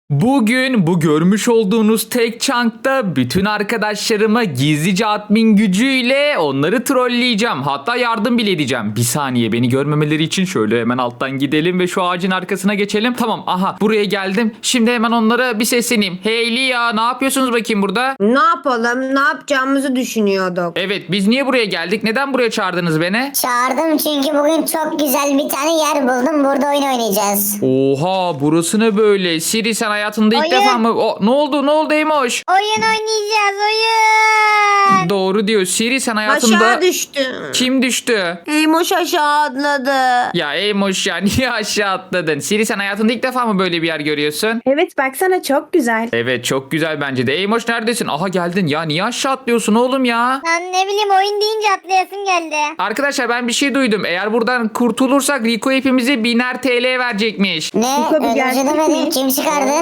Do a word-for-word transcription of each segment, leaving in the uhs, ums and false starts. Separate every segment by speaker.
Speaker 1: Bugün bu görmüş olduğunuz tek chunk'ta bütün arkadaşlarıma gizlice admin gücüyle onları trolleyeceğim. Hatta yardım bile edeceğim. Bir saniye, beni görmemeleri için şöyle hemen alttan gidelim ve şu ağacın arkasına geçelim. Tamam, aha buraya geldim. Şimdi hemen onlara bir sesleneyim. Hey Lia, ne yapıyorsunuz bakayım burada?
Speaker 2: Ne yapalım? Ne yapacağımızı düşünüyorduk.
Speaker 1: Evet, biz niye buraya geldik? Neden buraya çağırdınız beni?
Speaker 3: Çağırdım çünkü bugün çok güzel bir tane yer buldum. Burada oyun oynayacağız.
Speaker 1: Oha, burası ne böyle? Siri, sen hayatında ilk
Speaker 3: Oyun.
Speaker 1: defa mı? O, ne oldu? Ne oldu Eymoş?
Speaker 3: Oyun oynayacağız oyun.
Speaker 1: Doğru diyor. Siri, sen hayatında...
Speaker 2: Aşağı düştü.
Speaker 1: Kim düştü?
Speaker 2: Eymoş aşağı atladı.
Speaker 1: Ya Eymoş ya, niye aşağı atladın? Siri, sen hayatında ilk defa mı böyle bir yer görüyorsun?
Speaker 4: Evet baksana çok güzel.
Speaker 1: Evet, çok güzel bence de. Eymoş neredesin? Aha, geldin. Ya niye aşağı atlıyorsun oğlum ya?
Speaker 3: Lan ne bileyim oyun deyince atlayasım geldi.
Speaker 1: Arkadaşlar, ben bir şey duydum. Eğer buradan kurtulursak Rico hepimize biner T L verecekmiş.
Speaker 3: Ne?
Speaker 4: Bu kapı
Speaker 3: Öyle bir şey
Speaker 4: gerçek
Speaker 3: demedim.
Speaker 4: mi?
Speaker 3: Kim çıkardı?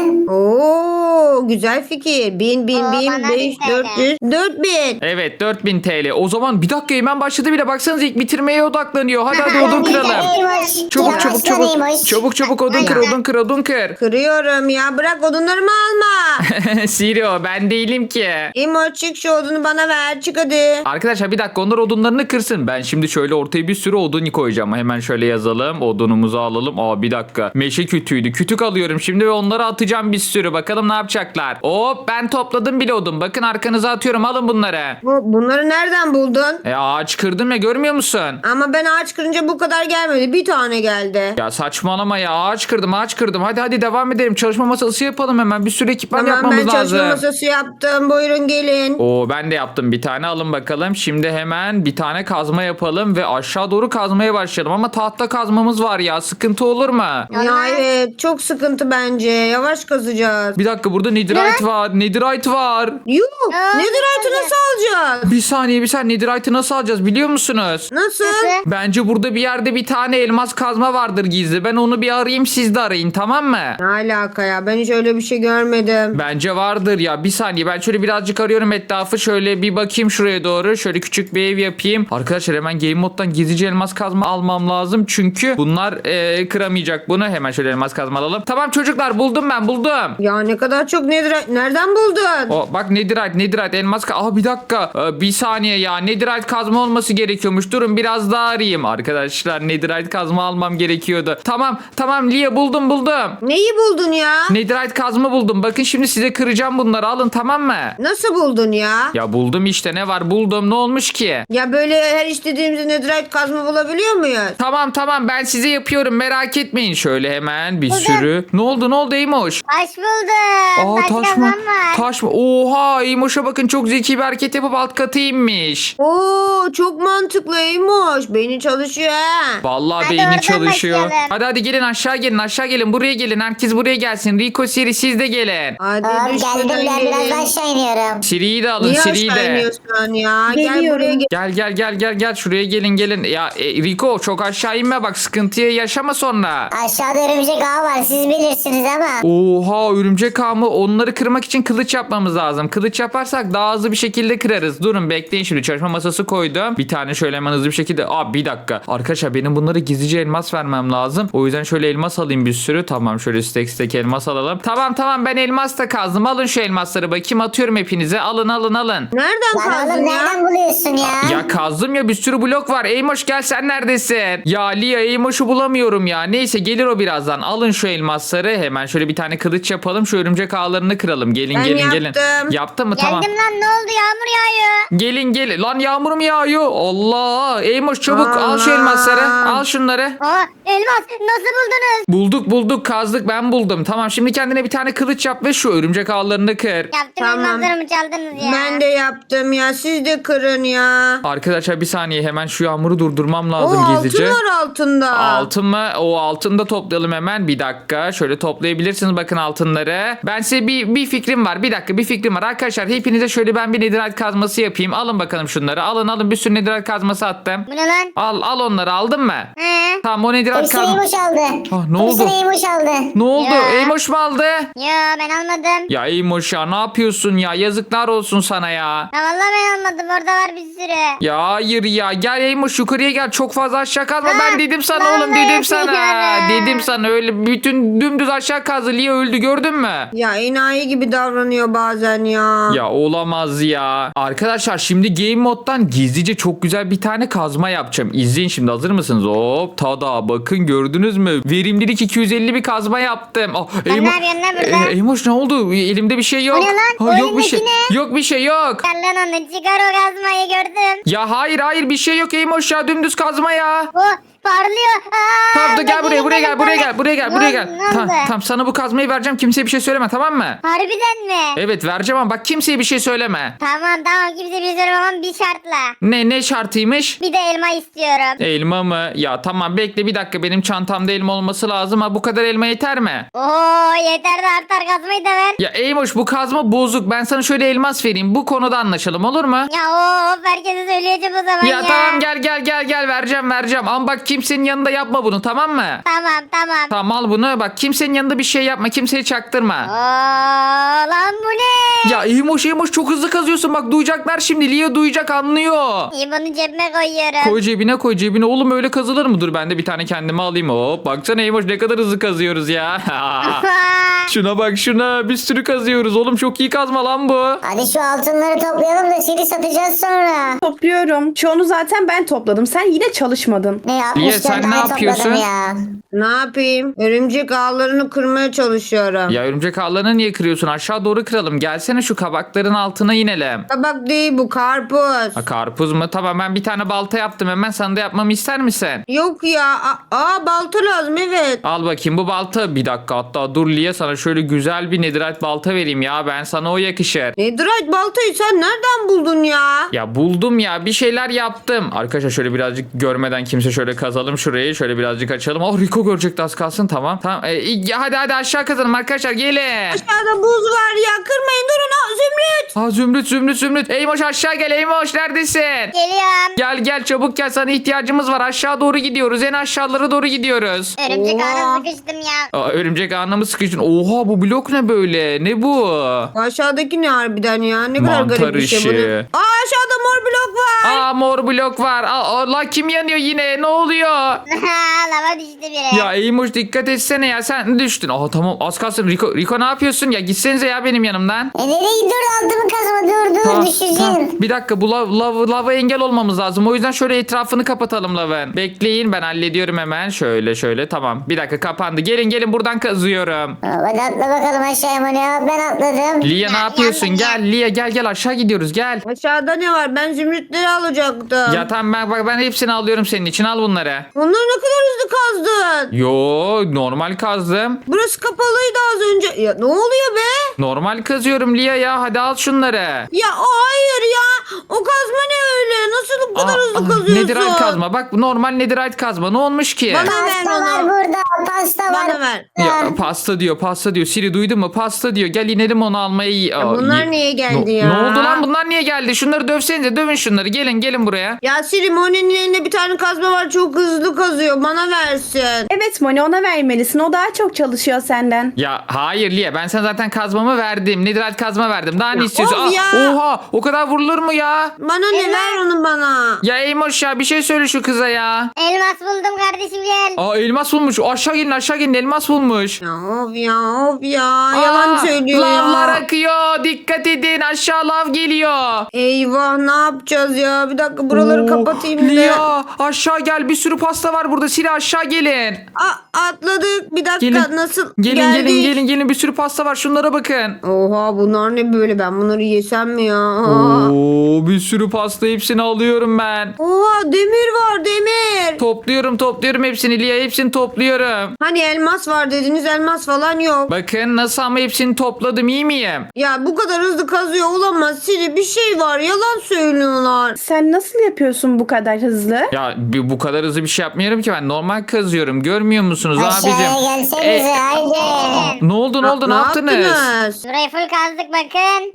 Speaker 2: Oo, güzel fikir. Bin, bin,
Speaker 3: Oo,
Speaker 2: bin,
Speaker 3: bana
Speaker 2: beş,
Speaker 3: bir
Speaker 2: dört yüz, dört bin.
Speaker 1: Evet, dört bin T L. O zaman bir dakika, hemen başladı bile. Baksanıza, ilk bitirmeye odaklanıyor. Hadi hadi odun kıralım.
Speaker 3: Eymoş.
Speaker 1: Çabuk çabuk çabuk.
Speaker 3: Yavaşlan
Speaker 1: Çabuk çabuk odun kır, odun kır, odun kır.
Speaker 2: Kırıyorum ya. Bırak odunlarımı alma.
Speaker 1: Siri, o ben değilim ki.
Speaker 2: Eymoş çık, şu odunu bana ver. Çık hadi.
Speaker 1: Arkadaşlar bir dakika, onlar odunlarını kırsın. Ben şimdi şöyle ortaya bir sürü odun koyacağım. Hemen şöyle yazalım. Odunumuzu alalım. Aa, bir dakika. Meşe kütüğüydü. Kütük alıyorum şimdi ve onları atacağım bir sürü. Bakalım ne yapacaklar. Hop, ben topladım bile odun. Bakın, arkanıza atıyorum. Alın bunları.
Speaker 2: Bu, bunları nereden buldun?
Speaker 1: E ağaç kırdım ya, görmüyor musun?
Speaker 2: Ama ben ağaç kırınca bu kadar gelmedi. Bir tane geldi.
Speaker 1: Ya saçmalama ya. Ağaç kırdım, ağaç kırdım. Hadi hadi devam edelim. Çalışma masası yapalım hemen. Bir sürü ekipman
Speaker 2: Tamam,
Speaker 1: yapmamız
Speaker 2: ben çalışma
Speaker 1: lazım.
Speaker 2: masası yaptım. Buyurun gelin.
Speaker 1: Oo, ben de yaptım bir tane, alın bakalım. Şimdi hemen bir tane kazma yapalım ve aşağı doğru kazmaya başlayalım. Ama tahta kazmamız var ya, sıkıntı olur mu?
Speaker 2: Ya evet, çok sıkıntı bence. Yavaş kazacağız.
Speaker 1: Bir dakika, burada netherite var. Netherite var.
Speaker 2: Yuh!
Speaker 3: Aa,
Speaker 2: Netherite'ı
Speaker 3: nasıl
Speaker 2: nasıl alacağız?
Speaker 1: Bir saniye bir saniye, netherite'ı nasıl alacağız biliyor musunuz?
Speaker 2: Nasıl?
Speaker 3: Nasıl?
Speaker 1: Bence burada bir yerde bir tane elmas kazma vardır gizli. Ben onu bir arayayım, siz de arayın, tamam mı?
Speaker 2: Ne alaka ya? Ben hiç öyle bir şey görmedim.
Speaker 1: Bence vardır ya. Bir saniye, ben şöyle birazcık arıyorum etrafı. Şöyle bir bakayım şuraya doğru. Şöyle küçük bir ev yapayım. Arkadaşlar, hemen game moddan gizlice elmas kazma almam lazım. Çünkü bunlar eee, kıramayacak bunu. Hemen şöyle elmas kazma alalım. Tamam çocuklar, buldum ben buldum.
Speaker 2: Ya ne kadar çok Netherite. Nereden buldun?
Speaker 1: O bak, netherite netherite elmas ka- Aa, bir dakika. Ee, bir saniye ya. Netherite kazma olması gerekiyormuş. Durun, biraz daha arayayım. Arkadaşlar, netherite kazma almam gerekiyordu. Tamam tamam Lia, buldum buldum.
Speaker 2: Neyi buldun ya?
Speaker 1: Netherite kazma buldum. Bakın, şimdi size kıracağım bunları. Alın, tamam mı?
Speaker 2: Nasıl buldun ya?
Speaker 1: Ya buldum işte, ne var, buldum. Ne olmuş ki?
Speaker 2: Ya böyle her istediğimizde Netherite kazma bulabiliyor muyuz?
Speaker 1: Tamam tamam, ben size yapıyorum, merak etmeyin. Şöyle hemen bir sürü. Ne oldu ne oldu Eymoş?
Speaker 3: Taş buldum.
Speaker 1: Aa,
Speaker 3: taş
Speaker 1: taş mı?
Speaker 3: kazan var.
Speaker 1: Taş mı? Oha, Eymoş'a bakın, çok zeki bir hareket yapıp alt katı inmiş.
Speaker 2: Oo, çok mantıklıymış. Beyni çalışıyor ha.
Speaker 1: Vallahi
Speaker 3: Hadi
Speaker 1: beyni
Speaker 3: oradan
Speaker 1: çalışıyor.
Speaker 3: başlayalım.
Speaker 1: Hadi hadi gelin, aşağı gelin, aşağı gelin, buraya gelin. Herkes buraya gelsin. Rico, Siri, siz de gelin.
Speaker 2: Hadi
Speaker 3: Aa,
Speaker 2: düş
Speaker 3: geldim
Speaker 2: şuradan
Speaker 3: ben biraz
Speaker 2: gelin.
Speaker 3: aşağı iniyorum.
Speaker 1: Siri'yi de alın,
Speaker 2: Niye
Speaker 1: Siri'yi
Speaker 2: aşağı
Speaker 1: de.
Speaker 2: iniyorsun ya? Gel
Speaker 4: Geliyorum.
Speaker 2: buraya gel.
Speaker 1: Gel gel gel gel gel, şuraya gelin gelin. Ya e, Rico, çok aşağı inme bak, sıkıntıya yaşama sonra.
Speaker 3: Aşağıda örümcek ağı var siz bilirsiniz ama.
Speaker 1: Oha, örümcek ağı mı? Onları kırmak için kılıç yapmamız lazım. Kılıç yaparsak daha hızlı bir şekilde kırarız. Durun bekleyin, şimdi çalışma masası koydum. Bir tane şöyle hemen hızlı bir şekilde. Aa, bir dakika. Arkadaşlar, benim bunlara gizlice elmas vermem lazım. O yüzden şöyle elmas alayım bir sürü. Tamam, şöyle stek stek elmas alalım. Tamam tamam, ben elmas da kazdım. Alın şu elmasları bakayım, atıyorum hepinize. Alın alın alın.
Speaker 2: Nereden
Speaker 3: Lan
Speaker 2: kazdın
Speaker 3: oğlum
Speaker 2: ya?
Speaker 3: nereden buluyorsun ya?
Speaker 1: Ya kazdım ya, bir sürü blok var. Eymoş, gel, sen neredesin? Ya Lia, Eymoş'u bulamıyorum ya. Neyse, gelir o birazdan. Alın şu elmasları. Hemen şöyle bir tane kılıç yapalım. Şu örümcek ağlarını kıralım. Gelin
Speaker 2: Ben
Speaker 1: gelin gelin.
Speaker 2: yaptım.
Speaker 1: Yaptın mı? Tamam.
Speaker 3: Geldim lan ne oldu yağmur yağıyor.
Speaker 1: Gelin gelin. Lan yağmur mu yağıyor? Allah. Eymoş, çabuk al şu
Speaker 2: Allah.
Speaker 1: elmasları. Al şunları.
Speaker 3: Aa elmas nasıl buldunuz?
Speaker 1: Bulduk bulduk, kazdık, ben buldum. Tamam, şimdi kendine bir tane kılıç yap ve şu örümcek ağlarını kır.
Speaker 3: Yaptım
Speaker 2: Tamam.
Speaker 3: elmaslarımı çaldınız ya.
Speaker 2: Ben de yaptım ya. Siz de kırın ya.
Speaker 1: Arkadaşlar, bir saniye, hemen şu yağmuru durdurmam
Speaker 2: O
Speaker 1: lazım gizlice.
Speaker 2: altın var altında.
Speaker 1: Altın mı? O altını da toplayalım hemen. Bir dakika. Şöyle toplayabilirsiniz bakın altınları. Ben size bir, bir fikrim var. Bir dakika, bir fikrim var. Arkadaşlar, hepinize şöyle ben bir netherite kazması yapayım. Alın bakalım şunları. Alın alın, bir sürü netherite kazması attım.
Speaker 3: Bu ne lan?
Speaker 1: Al al onları, aldın mı?
Speaker 3: He.
Speaker 1: Tamam, o netherite
Speaker 3: Hepsini
Speaker 1: kazma.
Speaker 3: Eymoş aldı.
Speaker 1: Ah, ne oldu?
Speaker 3: Hepsini Eymoş aldı.
Speaker 1: Ne oldu?
Speaker 3: Ya.
Speaker 1: Eymoş mu aldı?
Speaker 3: Ya ben almadım.
Speaker 1: Ya Eymoş ya, ne yapıyorsun ya? Yazıklar olsun sana ya.
Speaker 3: Ya vallahi ben almadım orada var bir sürü.
Speaker 1: Ya hayır ya. Gel Eymoş, yukarıya gel. Çok fazla aşağı kazma.
Speaker 3: Ha,
Speaker 1: Ben dedim sana
Speaker 3: ben
Speaker 1: oğlum,
Speaker 3: de
Speaker 1: dedim sana.
Speaker 3: yapıyorum.
Speaker 1: Dedim sana, öyle bütün dümdüz aşağı kazı. Lia öldü gördün mü?
Speaker 2: Ya enayi gibi davranıyor bazen ya.
Speaker 1: Ya olamaz ya. Arkadaşlar şimdi game moddan gizlice çok güzel bir tane kazma yapacağım. İzleyin şimdi, hazır mısınız? Hop tada, bakın gördünüz mü? Verimlilik iki yüz elli bir kazma yaptım. Ah,
Speaker 3: Sen
Speaker 1: Eymo-
Speaker 3: ne yapıyorsun lan burada?
Speaker 1: E, Eymoş ne oldu? Elimde bir şey yok.
Speaker 3: O ne lan?
Speaker 1: Ha,
Speaker 3: O
Speaker 1: yok bir şey.
Speaker 3: elindeki ne?
Speaker 1: Yok bir şey yok.
Speaker 3: Çıkar lan onu, çıkar o kazmayı, gördüm.
Speaker 1: Ya hayır hayır bir şey yok Eymoş ya, dümdüz kazma ya.
Speaker 3: O parlıyor. Aa,
Speaker 1: Tamam dur, gel buraya
Speaker 3: bakayım,
Speaker 1: buraya gel buraya
Speaker 3: bakayım.
Speaker 1: gel buraya gel
Speaker 3: Ne
Speaker 1: buraya
Speaker 3: oldu,
Speaker 1: gel.
Speaker 3: ne
Speaker 1: Tamam
Speaker 3: oldu?
Speaker 1: tamam, sana bu kazmayı vereceğim, kimseye bir şey söyleme, tamam mı?
Speaker 3: Harbiden mi?
Speaker 1: Evet vereceğim ama bak kimseye bir şey söyleme.
Speaker 3: Tamam tamam, kimse bir şey söylemem ama bir şartla.
Speaker 1: Ne ne şartıymış?
Speaker 3: Bir de elma istiyorum.
Speaker 1: Elma mı? Ya tamam bekle bir dakika, benim çantamda elma olması lazım. Ha bu kadar elma yeter mi?
Speaker 3: Oo yeter de artar, kazmayı da ver.
Speaker 1: Ya Eymoş bu kazma bozuk. Ben sana şöyle elmas vereyim. Bu konuda anlaşalım, olur mu?
Speaker 3: Ya of, herkese söyleyeceğim o zaman ya.
Speaker 1: Ya tamam gel gel gel gel vereceğim vereceğim. Ama bak kimsenin yanında yapma bunu, tamam mı?
Speaker 3: Tamam tamam.
Speaker 1: Tamam al bunu, bak kimsenin yanında bir şey yapma, kimseye çaktırma.
Speaker 3: Oo lan bu ne?
Speaker 1: Ya Eymoş Eymoş çok hızlı kazıyorsun, bak duyacaklar şimdi. Lia duyacak, anlıyor.
Speaker 3: İyi, bunu cebime koyuyorum.
Speaker 1: Koy cebine koy cebine oğlum, öyle kazılır mı? Dur ben de bir tane kendime alayım. Hop baksana Eymoş ne kadar hızlı kazıyoruz ya. Şuna bak şuna, bir sürü kazıyoruz oğlum, çok iyi kazma lan bu.
Speaker 3: Hadi şu altınları toplayalım da seni satacağız sonra.
Speaker 4: Topluyorum. Çoğunu zaten ben topladım. Sen yine çalışmadın.
Speaker 3: Ne
Speaker 1: Liye,
Speaker 3: yapmışlar,
Speaker 1: sen
Speaker 3: daha
Speaker 1: ne yapıyorsun?
Speaker 3: topladım ya.
Speaker 2: Ne yapayım? Örümcek ağlarını kırmaya çalışıyorum.
Speaker 1: Ya örümcek ağlarını niye kırıyorsun? Aşağı doğru kıralım. Gelsene şu kabakların altına inelim.
Speaker 2: Tabak değil bu, karpuz.
Speaker 1: Ha, karpuz mu? Tamam ben bir tane balta yaptım hemen. Sana da yapmamı ister misin?
Speaker 2: Yok ya. A- Aa balta lazım, evet.
Speaker 1: Al bakayım bu balta. Bir dakika hatta dur Liye, sana şöyle güzel bir netherite balta vereyim ya. Ben sana o yakışır.
Speaker 2: Netherite baltayı sen nereden buldun ya?
Speaker 1: Ya buldum ya, bir şeyler yaptım. Arkadaşlar şöyle birazcık görmeden kimse şöyle kazalım şurayı. Şöyle birazcık açalım. Oh Rico görecekti az kalsın, tamam. Tamam e, iyi, hadi hadi aşağı kazalım arkadaşlar, gelin.
Speaker 2: Aşağıda buz var ya, kırmayın, durun. Aa, Zümrüt.
Speaker 1: Ha Zümrüt Zümrüt Zümrüt. Eymoş aşağı gel, Eymoş neredesin?
Speaker 3: Geliyorum.
Speaker 1: Gel gel çabuk gel, sana ihtiyacımız var. Aşağı doğru gidiyoruz, en aşağılara doğru gidiyoruz.
Speaker 3: Örümcek
Speaker 2: Oha.
Speaker 3: ağına sıkıştım ya.
Speaker 1: Aa, örümcek ağına mı sıkıştın? Oha bu blok ne böyle? Ne bu?
Speaker 2: Aşağıdaki ne harbiden ya? Ne kadar
Speaker 1: Mantar
Speaker 2: garip bir şey
Speaker 1: işi.
Speaker 2: bu. Aa, aşağıda mor blok var.
Speaker 1: Aa mor blok var. Aa, Allah kim yanıyor yine? Ne oluyor?
Speaker 3: Lava düştü biri.
Speaker 1: Ya Eymuş dikkat etsene ya, sen düştün. Aa tamam az kalsın. Rico, Rico ne yapıyorsun ya? Gitsenize ya benim yanımdan.
Speaker 3: E nereye, dur altımı kazma, dur dur
Speaker 1: Tamam,
Speaker 3: düşeceğim.
Speaker 1: tamam. Bir dakika bu lav, lav, lava engel olmamız lazım. O yüzden şöyle etrafını kapatalım lavın. Bekleyin ben hallediyorum hemen. Şöyle şöyle tamam. Bir dakika kapandı. Gelin gelin buradan kazıyorum.
Speaker 3: Hadi atla bakalım aşağıya Moni, ben atladım.
Speaker 1: Lia ne yapıyorsun? Gel Lia gel gel aşağı gidiyoruz gel.
Speaker 2: Aşağıda ne var? Ben zümrütleri alacaktım.
Speaker 1: Ya tamam ben, bak ben hepsini alıyorum senin için, al bunları.
Speaker 2: Onları ne kadar hızlı kazdın.
Speaker 1: Yo normal kazdım.
Speaker 2: Burası kapalıydı az önce. Ya ne oluyor be?
Speaker 1: Normal kazıyorum Lia ya, hadi al şunları.
Speaker 2: Ya o hayır ya. O kazma ne öyle? Nasıl bu kadar
Speaker 1: Aa,
Speaker 2: hızlı
Speaker 1: aa,
Speaker 2: kazıyorsun?
Speaker 1: Netherite kazma, bak normal netherite kazma, ne olmuş ki?
Speaker 2: Bana ver
Speaker 3: Pasta var
Speaker 2: onu.
Speaker 3: burada, pasta var.
Speaker 2: Bana ver.
Speaker 1: Ya pasta diyor pasta diyor, Siri duydun mu, pasta diyor, gel inelim onu almaya. Aa,
Speaker 2: bunlar
Speaker 1: iyi.
Speaker 2: niye geldi
Speaker 1: Ne-
Speaker 2: ya?
Speaker 1: Ne oldu lan, bunlar niye geldi? Şunları dövsenize, dövün şunları, gelin gelin buraya.
Speaker 2: Ya Siri, Moni'nin elinde bir tane kazma var. Çok hızlı kazıyor. Bana versin.
Speaker 4: Evet Moni, ona vermelisin. O daha çok çalışıyor senden.
Speaker 1: Ya hayır Lia, ben sana zaten kazmamı verdim, netherite kazma verdim, daha ne
Speaker 2: Ya
Speaker 1: istiyorsun?
Speaker 2: of
Speaker 1: Aa,
Speaker 2: ya.
Speaker 1: Oha o kadar vurulur mu ya?
Speaker 2: Bana ne, ver onu bana.
Speaker 1: Ya Eymoş ya bir şey söyle şu kıza ya.
Speaker 3: Elmas buldum kardeşim, gel.
Speaker 1: Aa elmas bulmuş, aşağı gelin aşağı gelin, elmas bulmuş.
Speaker 2: Ya of ya of ya. Yalan
Speaker 1: Aa,
Speaker 2: söylüyor
Speaker 1: lavlar
Speaker 2: ya.
Speaker 1: akıyor, dikkat edin, aşağı lav geliyor.
Speaker 2: Eyvah, ne yapacağız ya? Bir dakika buraları
Speaker 1: Oo,
Speaker 2: kapatayım da.
Speaker 1: Lia aşağı gel, bir sürü pasta var burada, Siri aşağı gelin.
Speaker 2: A- atladık. Bir dakika,
Speaker 1: Gelin.
Speaker 2: nasıl
Speaker 1: Gelin
Speaker 2: geldik?
Speaker 1: gelin gelin gelin, bir sürü pasta var, şunlara bakın.
Speaker 2: Oha, bunlar ne böyle? Ben bunları yesem mi ya? Aa.
Speaker 1: Oo, bir sürü pasta, hepsini alıyorum ben.
Speaker 2: Oha, demir var, demir.
Speaker 1: Topluyorum topluyorum hepsini Lia, hepsini topluyorum.
Speaker 2: Hani elmas var dediniz, elmas falan yok.
Speaker 1: Bakın nasıl, ama hepsini topladım, iyi miyim?
Speaker 2: Ya bu kadar hızlı kazıyor olamaz Siri, bir şey var, yalan söylüyorlar.
Speaker 4: Sen nasıl yapıyorsun bu kadar hızlı?
Speaker 1: Ya bir- bu kadar hızlı bir şey yapmıyorum ki, ben normal kazıyorum, görmüyor musunuz
Speaker 3: Aşağıya
Speaker 1: abicim?
Speaker 3: gelsenize
Speaker 1: E,
Speaker 3: haydi.
Speaker 1: ne oldu ne oldu ne,
Speaker 2: Ne
Speaker 1: yaptınız?
Speaker 2: yaptınız? olamaz.
Speaker 5: Burayı full kazdık bakın.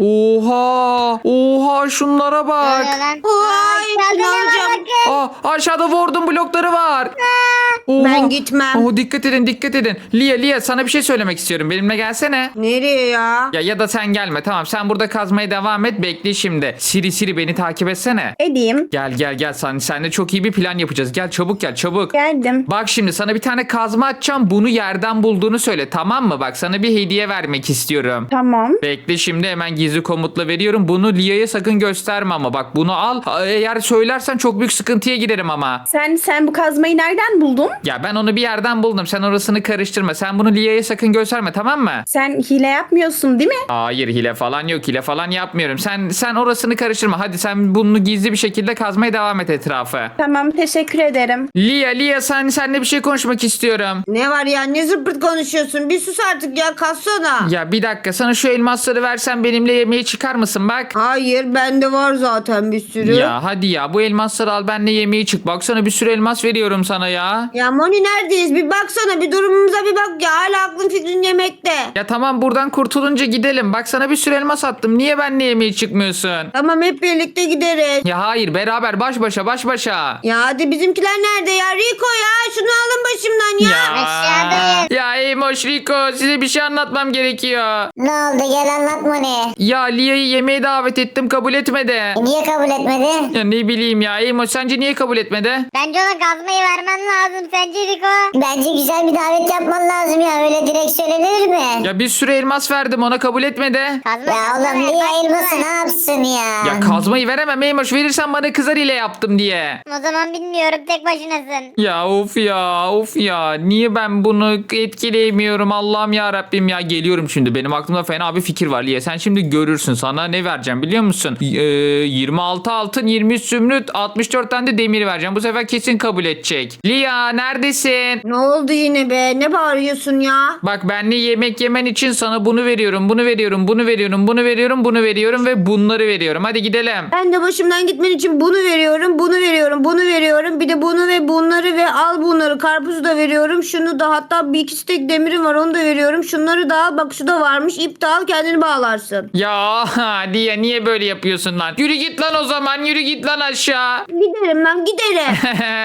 Speaker 1: Oha. Oha şunlara
Speaker 5: Ne
Speaker 1: bak.
Speaker 5: oluyor lan?
Speaker 2: Ay,
Speaker 5: Aşağıda ne var
Speaker 2: inanacağım.
Speaker 5: bakın.
Speaker 1: Aa, aşağıda Ward'un blokları var. Oha.
Speaker 2: Ben gitmem.
Speaker 1: Oo, dikkat edin dikkat edin. Lia Lia sana bir şey söylemek istiyorum. Benimle gelsene.
Speaker 2: Nereye ya?
Speaker 1: Ya ya da sen gelme tamam sen burada kazmaya devam et bekle şimdi. Siri Siri beni takip etsene.
Speaker 4: Edeyim.
Speaker 1: Gel gel gel sen seninle çok iyi bir plan yapacağız. Gel çabuk gel çabuk.
Speaker 4: Geldim.
Speaker 1: Bak şimdi sana bir tane kazma atacağım. Bunu yerden bulduğunu söyle tamam mı? Bak sana bir hediye vermek istiyorum.
Speaker 4: Tamam.
Speaker 1: Bekle şimdi hemen gizli komutla veriyorum. Bunu Lia'ya sakın gösterme ama bak bunu al. Eğer söylersen çok büyük sıkıntıya girerim ama.
Speaker 4: Sen sen bu kazmayı nereden buldun?
Speaker 1: Ya ben onu bir yerden buldum. Sen orasını karıştırma. Sen bunu Lia'ya sakın gösterme tamam mı?
Speaker 4: Sen hile yapmıyorsun değil mi?
Speaker 1: Hayır hile falan yok. Hile falan yapmıyorum. Sen sen orasını karıştırma. Hadi sen bunu gizli bir şekilde kazmaya devam et etrafı.
Speaker 4: Tamam, teşekkür ederim.
Speaker 1: Lia Lia sen seninle bir şey konuşmak istiyorum.
Speaker 2: Ne var ya? Ne zıpırt konuşuyorsun? Bir sus artık ya. Kassana.
Speaker 1: Ya bir dakika sana şu elmasları versen benimle yemeğe çıkar mısın bak.
Speaker 2: Hayır, bende var zaten bir sürü.
Speaker 1: Ya hadi ya bu elmasları al benimle yemeğe çık. Baksana bir sürü elmas veriyorum sana ya.
Speaker 2: Ya Moni neredeyiz? Bir baksana, bir durumumuza bir bak ya. Hala aklın fikrin yemekte.
Speaker 1: Ya tamam buradan kurtulunca gidelim. Bak sana bir sürü elmas attım. Niye benimle yemeğe çıkmıyorsun?
Speaker 2: Tamam, hep birlikte gideriz.
Speaker 1: Ya hayır beraber baş başa baş başa.
Speaker 2: Ya hadi bizimkiler nerede ya? Rico ya, şunu alın başımdan ya.
Speaker 5: Aşağıdayız.
Speaker 1: Ya Eymoş Rico size bir şey anlatmam gerekiyor.
Speaker 3: Ne oldu, gel anlatma ne?
Speaker 1: Ya Lia'yı yemeğe davet ettim kabul etmedi.
Speaker 3: E, Niye kabul etmedi?
Speaker 1: Ya ne bileyim ya Eymoş sence niye kabul etmedi?
Speaker 5: Bence ona kazmayı vermen lazım. Sence Rico?
Speaker 3: Bence güzel bir davet yapman lazım ya, öyle direkt söylenir mi?
Speaker 1: Ya bir sürü elmas verdim ona kabul etmedi.
Speaker 5: Kazma
Speaker 3: Ya
Speaker 5: kazma
Speaker 3: oğlum
Speaker 5: ver,
Speaker 3: niye
Speaker 5: kazma
Speaker 3: elması
Speaker 5: ver.
Speaker 3: ne yapsın ya?
Speaker 1: Ya kazmayı veremem Eymoş verirsen bana kızar ile yaptım diye.
Speaker 5: O zaman bilmiyorum, tek başınasın.
Speaker 1: Ya of ya of ya niye ben bunu etkileyemiyorum Allah'ım ya Rabbim ya geliyorum şimdi benim aklımda fena bir fikir var Liye sen şimdi görürsün sana ne vereceğim biliyor musun? Ee, yirmi altı altın yirmi üç zümrüt altmış dört tane de demir vereceğim bu sefer kesin kabul edecek. Lia neredesin?
Speaker 2: Ne oldu yine be? Ne bağırıyorsun ya?
Speaker 1: Bak benle yemek yemen için sana bunu veriyorum bunu veriyorum bunu veriyorum bunu veriyorum bunu veriyorum ve bunları veriyorum hadi gidelim.
Speaker 2: Ben de başımdan gitmen için bunu veriyorum, bunu veriyorum, bunu veriyorum. Bir de bunu ve bunları ve al bunları. Karpuzu da veriyorum. Şunu da, hatta bir iki stek demirim var, onu da veriyorum. Şunları da al. Bak şu da varmış. İp de al, kendini bağlarsın.
Speaker 1: Ya Lia niye böyle yapıyorsun lan? Yürü git lan o zaman yürü git lan aşağı.
Speaker 2: Giderim lan, giderim.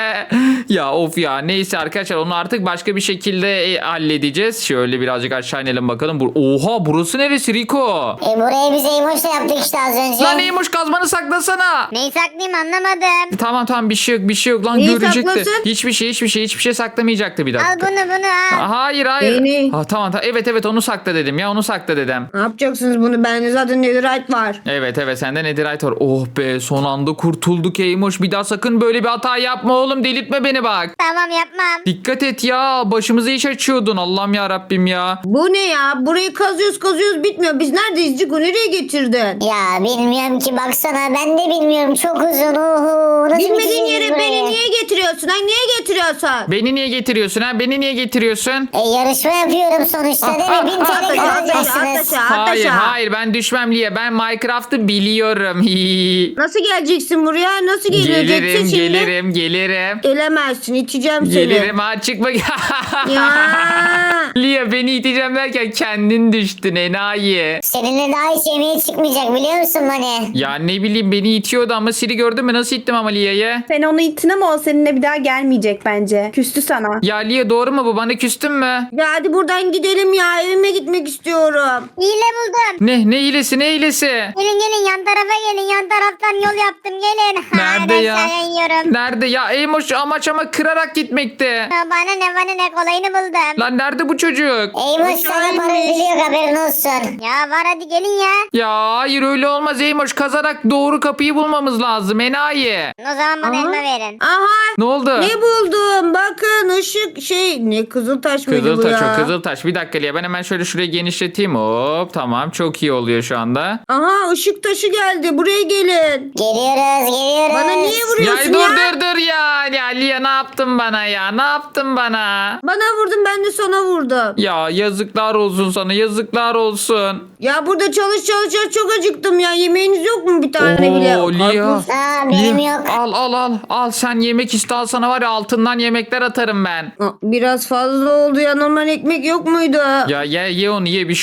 Speaker 1: Ya of ya neyse arkadaşlar onu artık başka bir şekilde e, halledeceğiz. Şöyle birazcık aşağı inelim bakalım. Bur Oha burası neresi Rico?
Speaker 3: E burayı biz Eymoş'la yaptık işte az önce.
Speaker 1: Lan neymiş kazmanı saklasana.
Speaker 5: Neyi saklayayım anlamadım.
Speaker 1: Tamam tamam bir şey yok bir şey yok lan
Speaker 2: Neyi
Speaker 1: görecekti.
Speaker 2: saklasın?
Speaker 1: Hiçbir şey hiçbir şey hiçbir şey saklamayacaktı bir
Speaker 5: Al
Speaker 1: dakika.
Speaker 5: bunu bunu al.
Speaker 1: Hayır hayır.
Speaker 2: Neyini?
Speaker 1: Ha, tamam tamam evet evet onu sakla dedim ya onu sakla dedim.
Speaker 2: Ne yapacaksınız bunu? Bende zaten netherite var.
Speaker 1: Evet evet sende netherite var. Oh be son anda kurtulduk Eymoş. Bir daha sakın böyle bir hata yapma oğlum delirtme beni bak.
Speaker 5: Tamam yapmam.
Speaker 1: Dikkat et ya başımıza iş açıyordun Allah'ım ya Rabbim ya.
Speaker 2: Bu ne ya? Burayı kazıyoruz kazıyoruz bitmiyor. Biz neredeyiz Ciku? Nereye getirdin?
Speaker 3: Ya bilmiyorum ki, baksana ben de bilmiyorum, çok uzun. Oho, nasıl
Speaker 2: Bilmediğin
Speaker 3: bitireceğiz
Speaker 2: yere
Speaker 3: burayı?
Speaker 2: beni niye getiriyorsun? Ha, niye getiriyorsun?
Speaker 1: Beni niye getiriyorsun ha? Beni niye getiriyorsun?
Speaker 3: E yarışma yapıyorum sonuçta değil mi? bin T L
Speaker 2: At aşağı, at
Speaker 3: kazanacaksınız.
Speaker 2: aşağı, at
Speaker 1: Hayır
Speaker 2: aşağı.
Speaker 1: hayır ben düşmem Liye. Ben Minecraft'ı biliyorum.
Speaker 2: Nasıl geleceksin buraya? Nasıl geleceksin
Speaker 1: gelirim
Speaker 2: şimdi?
Speaker 1: gelirim gelirim.
Speaker 2: Gelemezsin. İteceğim seni.
Speaker 1: Gelirim ha çıkma.
Speaker 2: Ya.
Speaker 1: Liye beni iteceğim derken kendin düştün enayi.
Speaker 3: Seninle daha hiç yemeğe çıkmayacak biliyor musun Mani?
Speaker 1: Ya ne bileyim beni itiyordu ama Siri gördün mü nasıl ittim ama Liye'ye?
Speaker 4: Sen onu ittin ama o seninle bir daha gelmeyecek bence. Küstü sana.
Speaker 1: Ya Liye doğru mu bu? Bana küstün mü?
Speaker 2: Ya hadi buradan gidelim ya. Evime gitmek istiyorum.
Speaker 5: Hile buldum.
Speaker 1: Ne? Ne hilesi? Ne hilesi?
Speaker 5: Gelin gelin yan tarafa gelin. Yan taraftan yol yaptım gelin.
Speaker 1: Nerede
Speaker 5: Hadi
Speaker 1: ya?
Speaker 5: aşağıya iniyorum.
Speaker 1: Nerede? Ya Eymoş amaç ama kırarak gitmekte.
Speaker 5: Ya Bana ne bana ne kolayını buldum.
Speaker 1: Lan nerede bu çocuk?
Speaker 3: Eymoş sana para ödülüyor, haberin olsun.
Speaker 5: Ya var hadi gelin ya.
Speaker 1: Ya hayır öyle olmaz Eymoş. Kazarak doğru kapıyı bulmamız lazım enayi.
Speaker 5: O zaman bana
Speaker 2: Aha.
Speaker 5: elma verin.
Speaker 2: Aha.
Speaker 1: Ne oldu?
Speaker 2: Ne buldum? Bakın ışık şey. Ne Kızıltaş mıydı bu
Speaker 1: Kızıltaş
Speaker 2: ya?
Speaker 1: o Kızıltaş. Bir dakika Liye ben hemen şöyle şurayı genişleteyim. Hop tamam çok iyi oluyor şu anda.
Speaker 2: Aha ışık taşı geldi. Buraya gelin.
Speaker 3: Geliyoruz geliyoruz.
Speaker 2: Bana niye
Speaker 1: Ya
Speaker 2: vuruyorsun
Speaker 1: dur
Speaker 2: ya?
Speaker 1: dur dur ya. Ya Liye ne yaptın bana ya? Ne yaptın bana?
Speaker 2: Bana vurdun, ben de sana vurdum.
Speaker 1: Ya yazıklar olsun sana yazıklar olsun.
Speaker 2: Ya burada çalış çalış çalış, çok acıktım ya. Yemeğiniz yok mu bir tane
Speaker 1: Oo,
Speaker 2: bile?
Speaker 1: Lia.
Speaker 2: Karpuz.
Speaker 3: Aa benim
Speaker 1: Liye,
Speaker 3: yok.
Speaker 1: Al al al. Al sen yemek iste al sana var ya altından yemekler atarım ben.
Speaker 2: Aa, biraz fazla oldu ya. Normal ekmek yok muydu?
Speaker 1: Ya ye ye onu ye bir şey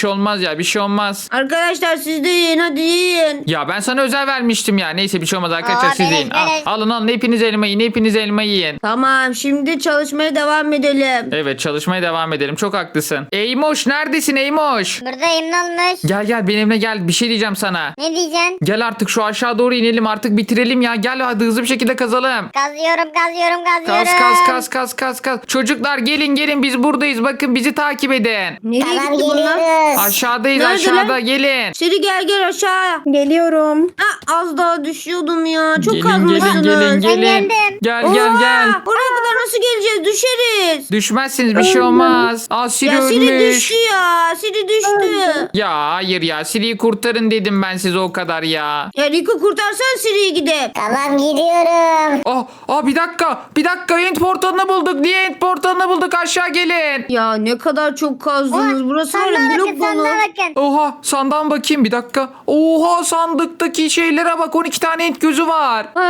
Speaker 1: şey olmaz ya bir şey olmaz.
Speaker 2: Arkadaşlar siz de yiyin hadi yiyin.
Speaker 1: Ya ben sana özel vermiştim ya. Neyse bir şey olmaz arkadaşlar
Speaker 5: Aa,
Speaker 1: siz
Speaker 5: beleş,
Speaker 1: yiyin. Al,
Speaker 5: beleş.
Speaker 1: alın alın hepiniz elma yiyin hepiniz elma yiyin.
Speaker 2: Tamam şimdi çalışmaya devam edelim.
Speaker 1: Evet çalışmaya devam edelim. Çok haklısın. Eymoş neredesin Eymoş?
Speaker 5: Buradayım ne olmuş?
Speaker 1: Gel gel benimle gel. Bir şey diyeceğim sana.
Speaker 5: Ne diyeceksin?
Speaker 1: Gel artık şu aşağı doğru inelim artık bitirelim ya. Gel hadi hızlı bir şekilde kazalım.
Speaker 5: Kazıyorum kazıyorum kazıyorum.
Speaker 1: Kaz kaz kaz kaz kaz kaz. Çocuklar gelin gelin biz buradayız. Bakın bizi takip edin.
Speaker 2: Nereye
Speaker 3: Tamam
Speaker 2: gitti bunlar?
Speaker 3: geliyoruz.
Speaker 1: Aşağıdayız
Speaker 2: Nerede
Speaker 1: aşağıda
Speaker 2: lan?
Speaker 1: gelin.
Speaker 2: Siri gel gel aşağı.
Speaker 4: Geliyorum.
Speaker 2: Ha, az daha düşüyordum ya. Çok
Speaker 1: Gelin
Speaker 2: kazmışsınız.
Speaker 1: gelin gelin gelin.
Speaker 5: geldim.
Speaker 1: Gel gel
Speaker 2: Oha!
Speaker 1: gel.
Speaker 2: Oraya kadar nasıl geleceğiz? Düşeriz.
Speaker 1: Düşmezsiniz bir şey olmaz. Aa Siri
Speaker 2: Ya Siri
Speaker 1: ölmüş.
Speaker 2: düştü ya. Siri düştü.
Speaker 1: Ya hayır ya Siri'yi kurtarın dedim ben size o kadar ya.
Speaker 2: Ya Rico kurtarsan Siri'yi gidip.
Speaker 3: Tamam gidiyorum.
Speaker 1: Oh, oh bir dakika bir dakika end portalını bulduk. Niye end portalını bulduk aşağı gelin.
Speaker 2: Ya ne kadar çok kazdınız.
Speaker 5: Oha,
Speaker 2: Burası var
Speaker 5: sandığa
Speaker 2: ya
Speaker 5: bakın
Speaker 2: blok dolu.
Speaker 5: sandığa bakın.
Speaker 1: Oha sandığa bakayım bir dakika. Oha sandıktaki şeylere bak on iki tane end gözü var.
Speaker 2: Aa,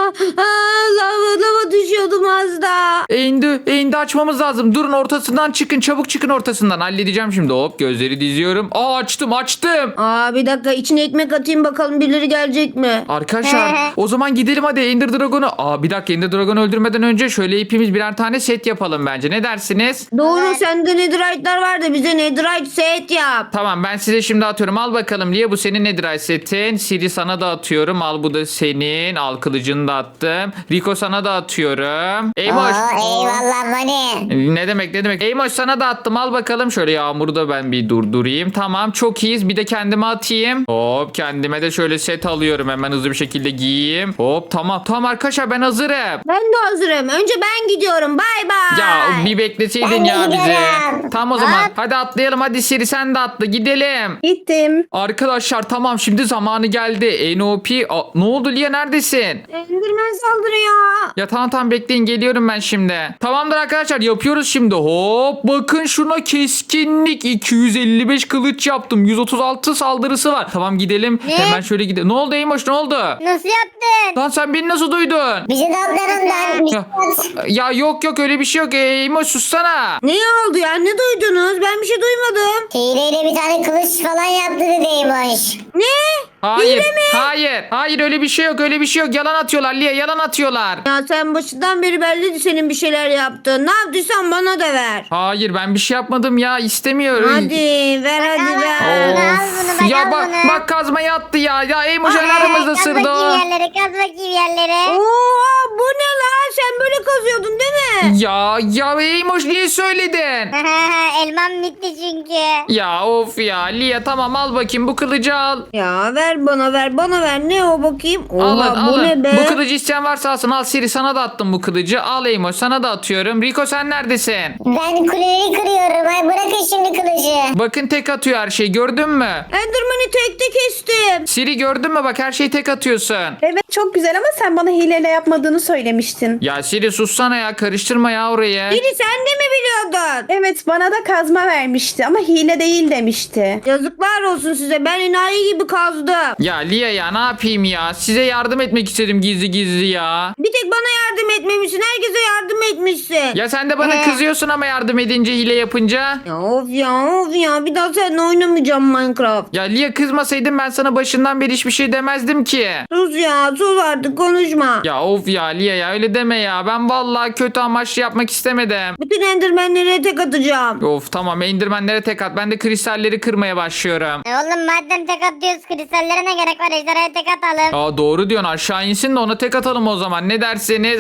Speaker 2: aa, lava lava düşüyordum az da.
Speaker 1: Endi, endi açmamız lazım. Durun ortasından çıkın çabuk çıkın ortasından. Halledeceğim şimdi hop gözleri diziyorum. Aa açtım açtım.
Speaker 2: Aa bir dakika içine ekmek atayım bakalım birileri gelecek mi?
Speaker 1: Arkadaşlar o zaman gidelim hadi Ender Dragon'u. Aa bir dakika Ender Dragon'u öldürmeden önce şöyle hepimiz birer tane set yapalım bence. Ne dersiniz?
Speaker 2: Doğru
Speaker 5: Evet.
Speaker 2: sende netherite'lar var da bize netherite set yap.
Speaker 1: Tamam ben size şimdi atıyorum. Al bakalım Lia bu senin Netherite setin. Siri sana da atıyorum. Al bu da senin. Al kılıcını da attım. Rico sana da atıyorum. Eymoş.
Speaker 3: Oo, eyvallah Mani.
Speaker 1: Ne demek ne demek. Eymoş sana da attım. Al bakalım. Şöyle yağmuru da ben bir durdurayım. Tamam çok iyiyiz. Bir de kendime atayım. Hop kendime de şöyle set alıyorum. Hemen hızlı bir şekilde giyeyim. Hop tamam. Tamam arkadaşlar ben hazırım.
Speaker 2: Ben de hazırım. Önce ben gidiyorum. Bay bay.
Speaker 1: Ya bir bekleseydin
Speaker 3: Ben de
Speaker 1: ya bizi.
Speaker 3: gidiyorum.
Speaker 1: Tamam o zaman.
Speaker 5: At.
Speaker 1: Hadi atlayalım. Hadi Siri sen de atla. Gidelim.
Speaker 4: Gittim.
Speaker 1: Arkadaşlar tamam şimdi zamanı geldi. N O P. Aa, ne oldu Lia neredesin?
Speaker 2: Enderman saldırıyor.
Speaker 1: Ya tamam tamam bekleyin geliyorum ben şimdi. Tamamdır arkadaşlar yapıyoruz şimdi. Hop bakın şuna keskinlik. iki yüz elli beş kılıç yaptım. yüz otuz altı saldırısı var. Tamam gidelim.
Speaker 5: Ne?
Speaker 1: Hemen şöyle gidelim. Ne oldu Eymoş ne oldu?
Speaker 5: Nasıl yaptın?
Speaker 1: Lan sen beni nasıl duydun?
Speaker 3: Bizi de atlarından.
Speaker 1: Ya, ya yok yok öyle bir şey yok. Eymoş sussana.
Speaker 2: Ne oldu ya? Ne duydunuz? Ben bir şey duymadım.
Speaker 3: Hileyle bir tane kılıç falan yaptı dedeymiş.
Speaker 2: Ne?
Speaker 1: Hayır. Hayır. Hayır öyle bir şey yok. Öyle bir şey yok. Yalan atıyorlar Lia. Yalan atıyorlar.
Speaker 2: Ya sen başından beri belliydi senin bir şeyler yaptın. Ne yaptıysan bana da ver.
Speaker 1: Hayır ben bir şey yapmadım ya. İstemiyorum.
Speaker 2: Hadi ver hadi
Speaker 5: Al,
Speaker 2: ver.
Speaker 5: al, al bunu, bak,
Speaker 1: ya
Speaker 5: al
Speaker 1: bak
Speaker 5: bunu.
Speaker 1: bak kazmayı attı ya. Ya Eymoş
Speaker 5: Aa,
Speaker 1: aramızda
Speaker 5: kaz
Speaker 1: sırdı o.
Speaker 5: bakayım yerlere kaz bakayım yerlere.
Speaker 2: Oha bu ne lan? Sen böyle kazıyordun değil mi?
Speaker 1: Ya ya Eymoş niye söyledin?
Speaker 5: Elmam bitti çünkü.
Speaker 1: Ya of ya Lia tamam al bakayım bu kılıcı al.
Speaker 2: Ya ver bana ver bana ver. Ne o bakayım? Oha
Speaker 1: Alın
Speaker 2: bu
Speaker 1: alın.
Speaker 2: ne be?
Speaker 1: Bu kılıcı isteyen varsa alsın. Al Siri sana da attım bu kılıcı. Al Eymoş sana da atıyorum. Rico sen neredesin?
Speaker 3: Ben kuleleri kırıyorum. Ay bırakın şimdi kılıcı.
Speaker 1: Bakın tek atıyor her şey gördün mü?
Speaker 2: Enderman'i tek tek kestim.
Speaker 1: Siri gördün mü bak her şeyi tek atıyorsun.
Speaker 4: Evet çok güzel ama sen bana hileyle yapmadığını söylemiştin.
Speaker 1: Ya Siri sussana ya karıştırma ya orayı.
Speaker 2: Biri sen de mi biliyordun?
Speaker 4: Evet bana da kazma vermişti ama hile değil demişti.
Speaker 2: Yazıklar olsun size. Ben enayi gibi kazdım.
Speaker 1: Ya Lia ya ne yapayım ya? Size yardım etmek istedim gizli gizli ya.
Speaker 2: Bir tek bana yardım etmemişsin. Herkese yardım etmişsin.
Speaker 1: Ya sen de bana
Speaker 5: Ee?
Speaker 1: kızıyorsun ama yardım edince hile yapınca.
Speaker 2: Ya of ya of ya. Bir daha seninle oynamayacağım Minecraft.
Speaker 1: Ya Lia kızmasaydın ben sana başından beri hiçbir şey demezdim ki.
Speaker 2: Sus ya sus artık konuşma.
Speaker 1: Ya of ya Lia ya öyle deme ya. Ben vallahi kötü amaçlı yapmak istemedim.
Speaker 2: Bütün endermenlere tek atacağım.
Speaker 1: Of tamam endirmenlere tek at. Ben de kristalleri kırmaya başlıyorum.
Speaker 5: E oğlum madem tek atıyoruz kristallere ne gerek var? Ejderhaya tek atalım.
Speaker 1: Aa doğru diyorsun aşağı insin de ona tek atalım o zaman. Ne dersiniz?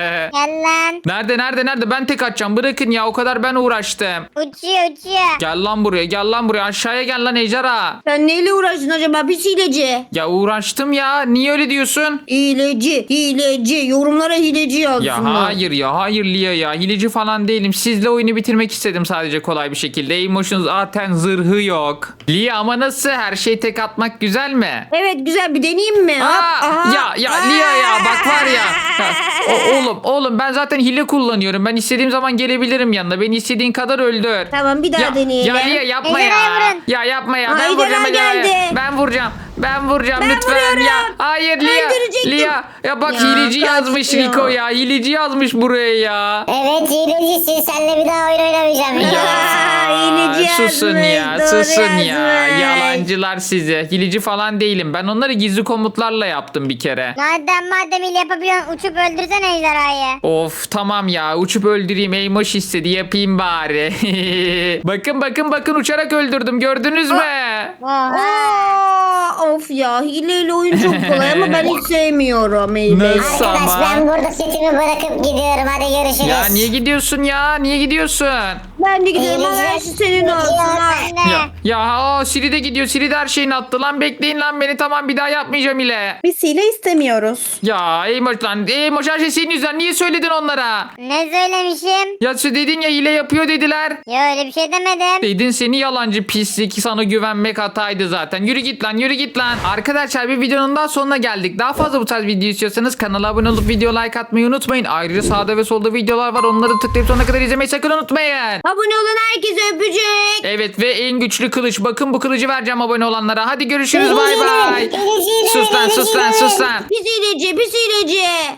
Speaker 5: Gel lan.
Speaker 1: Nerede nerede nerede ben tek atacağım. Bırakın ya o kadar ben uğraştım.
Speaker 5: Uçuyor uçuyor.
Speaker 1: Gel lan buraya gel lan buraya aşağıya gel lan ejderha.
Speaker 2: Sen neyle uğraştın acaba pis hileci?
Speaker 1: Ya uğraştım ya. Niye öyle diyorsun?
Speaker 2: Hileci hileci yorumlara hileci yazsınlar.
Speaker 1: Ya hayır ya hayır Lia ya. Hileci falan değilim. Sizle oyunu bitirmek istedim sadece kolay bir şekilde. Emotion zaten zırhı yok. Lia ama nasıl? Her şey tek atmak güzel mi?
Speaker 2: Evet güzel bir deneyeyim mi? Hop,
Speaker 1: Aa,
Speaker 2: aha.
Speaker 1: ya ya Lia ya bak var ya. Ya, o- oğlum oğlum ben zaten hile kullanıyorum. Ben istediğim zaman gelebilirim yanına. Beni istediğin kadar öldür.
Speaker 2: Tamam bir daha
Speaker 1: Ya,
Speaker 2: deneyelim.
Speaker 1: ya Lia yapma
Speaker 5: Ejderhaya
Speaker 1: ya.
Speaker 5: vurun.
Speaker 1: Ya yapma ya. Ben
Speaker 2: Haydi
Speaker 1: vuracağım vuracağım.
Speaker 2: Kerem
Speaker 1: Ece.
Speaker 2: geldi.
Speaker 1: Ben vuracağım. Ben vuracağım
Speaker 2: Ben
Speaker 1: lütfen
Speaker 2: vuruyorum.
Speaker 1: ya. Hayır Lia.
Speaker 2: Öldürecektim.
Speaker 1: Lia. Ya bak
Speaker 2: Ya,
Speaker 1: hileci
Speaker 2: kaç
Speaker 1: yazmış
Speaker 2: ya.
Speaker 1: Rico ya. Hileci yazmış buraya ya.
Speaker 3: Evet hilecisin. Seninle bir daha oyun oynamayacağım.
Speaker 1: Ya,
Speaker 2: hileci
Speaker 1: susun
Speaker 2: yazmış,
Speaker 1: ya,
Speaker 2: doğru
Speaker 1: susun ya.
Speaker 2: yazmış.
Speaker 1: Yalancılar size. Hileci falan değilim. Ben onları gizli komutlarla yaptım bir kere.
Speaker 5: Madem madem ile yapabiliyorsun uçup öldürsene ejderhayı.
Speaker 1: Of tamam ya uçup öldüreyim Eymoş istedi yapayım bari. bakın bakın bakın uçarak öldürdüm gördünüz mü?
Speaker 5: Oha.
Speaker 2: Aa, of ya hileyle oyun çok kolay ama ben hiç sevmiyorum hileyi.
Speaker 1: Nasıl?
Speaker 3: Arkadaş
Speaker 1: Ama-
Speaker 3: ben burada setimi bırakıp gidiyorum. Hadi görüşürüz.
Speaker 1: Ya niye gidiyorsun ya? Niye gidiyorsun?
Speaker 2: Ben de gidiyorum ama her şey senin olsun. ha.
Speaker 5: Ben de.
Speaker 1: Ya ya aa, Siri de gidiyor. Siri de her şeyini attı lan. Bekleyin lan beni tamam bir daha yapmayacağım ile.
Speaker 4: Biz hile istemiyoruz.
Speaker 1: Ya Eymoş lan. Eymoş her şey senin yüzünden. Niye söyledin onlara?
Speaker 5: Ne söylemişim?
Speaker 1: Ya sen dedin ya hile yapıyor dediler.
Speaker 5: Ya öyle bir şey demedim.
Speaker 1: Dedin seni yalancı pislik sana güvenmek hataydı zaten. Yürü git lan yürü git lan. Arkadaşlar bir videonun daha sonuna geldik. Daha fazla bu tarz video istiyorsanız kanala abone olup video like atmayı unutmayın. Ayrıca sağda ve solda videolar var. Onları tıklayıp sonuna kadar izlemeyi sakın unutmayın.
Speaker 2: Abone olan herkese öpecek.
Speaker 1: Evet ve en güçlü kılıç. Bakın bu kılıcı vereceğim abone olanlara. Hadi görüşürüz bay
Speaker 3: Hileciyle,
Speaker 1: bay.
Speaker 3: hileciyle,
Speaker 1: Sus lan sus lan
Speaker 3: hileciyle.
Speaker 1: sus lan.
Speaker 2: Pis hileci pis hileci.